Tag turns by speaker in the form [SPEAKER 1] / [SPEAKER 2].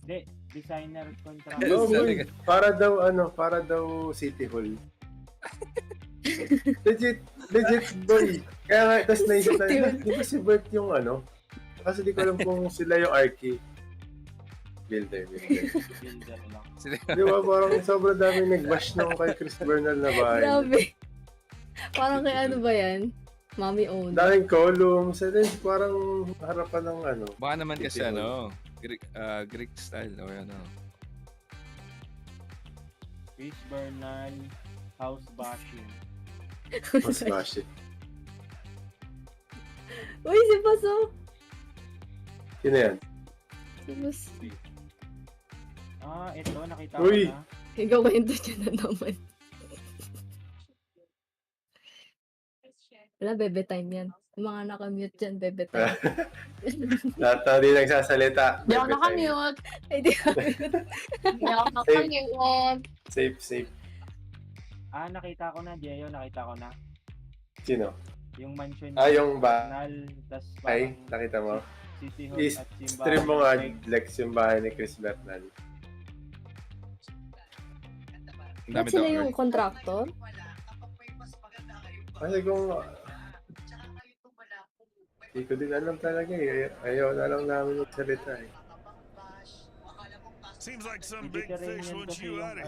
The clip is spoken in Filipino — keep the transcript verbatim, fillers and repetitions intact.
[SPEAKER 1] Hindi, designer contract.
[SPEAKER 2] No,
[SPEAKER 3] Sabi
[SPEAKER 2] boy. Para daw, ano, para daw City Hall. legit, legit, boy. Kaya nga, tapos naisip na,
[SPEAKER 3] City Hall.
[SPEAKER 2] di ba si Bert yung ano? Kasi di ko alam kung sila yung Arky. Builder, builder.
[SPEAKER 1] Builder lang.
[SPEAKER 2] Di ba, parang sobrang dami nag-bash nung kay Chris Bernal na bahay.
[SPEAKER 3] Grabe. Parang kay ano ba yan? Mommy owned.
[SPEAKER 2] Daming columns, and then parang harapan ng ano.
[SPEAKER 4] Baka naman kasi
[SPEAKER 2] City Hall.
[SPEAKER 4] ano, Greek, uh, Greek style o ano.
[SPEAKER 1] Chris Bernal, house bashing.
[SPEAKER 2] Mas bash it.
[SPEAKER 3] Uy, si Paso.
[SPEAKER 2] Sino yan?
[SPEAKER 3] Si Pas.
[SPEAKER 1] Ah, ito, nakita
[SPEAKER 2] Uy!
[SPEAKER 1] ko na.
[SPEAKER 3] Ikaw kwento dyan na naman. Wala, bebe time yan. Yung mga nakamute dyan, bebe time.
[SPEAKER 2] Lahat na di nagsasalita.
[SPEAKER 5] Hindi ako
[SPEAKER 2] Every time.
[SPEAKER 5] nakamute.
[SPEAKER 3] Ay, di ka.
[SPEAKER 5] Hindi ako nakamute.
[SPEAKER 2] Safe, safe.
[SPEAKER 1] Ah, nakita ko na, Jeyo, nakita ko na.
[SPEAKER 2] Sino?
[SPEAKER 1] Yung mansion
[SPEAKER 2] Ah, yung ba-
[SPEAKER 1] Bernal, tas
[SPEAKER 2] Ay,
[SPEAKER 1] parang
[SPEAKER 2] nakita mo?
[SPEAKER 1] City Hall
[SPEAKER 2] Is,
[SPEAKER 1] at simbahan.
[SPEAKER 2] stream mo nga,
[SPEAKER 1] Like,
[SPEAKER 2] Lex, yung bahay ni Chris Bernal.
[SPEAKER 4] Ang
[SPEAKER 3] Ba't
[SPEAKER 4] dami
[SPEAKER 3] sila
[SPEAKER 4] daw.
[SPEAKER 3] yung contractor?
[SPEAKER 2] Kasi kung... Hindi ko din alam talaga eh. Ayaw na lang namin magsalita eh.
[SPEAKER 6] Seems like some big
[SPEAKER 1] Mediterranean
[SPEAKER 6] fish wants
[SPEAKER 1] kasi
[SPEAKER 6] you
[SPEAKER 1] yung
[SPEAKER 6] out of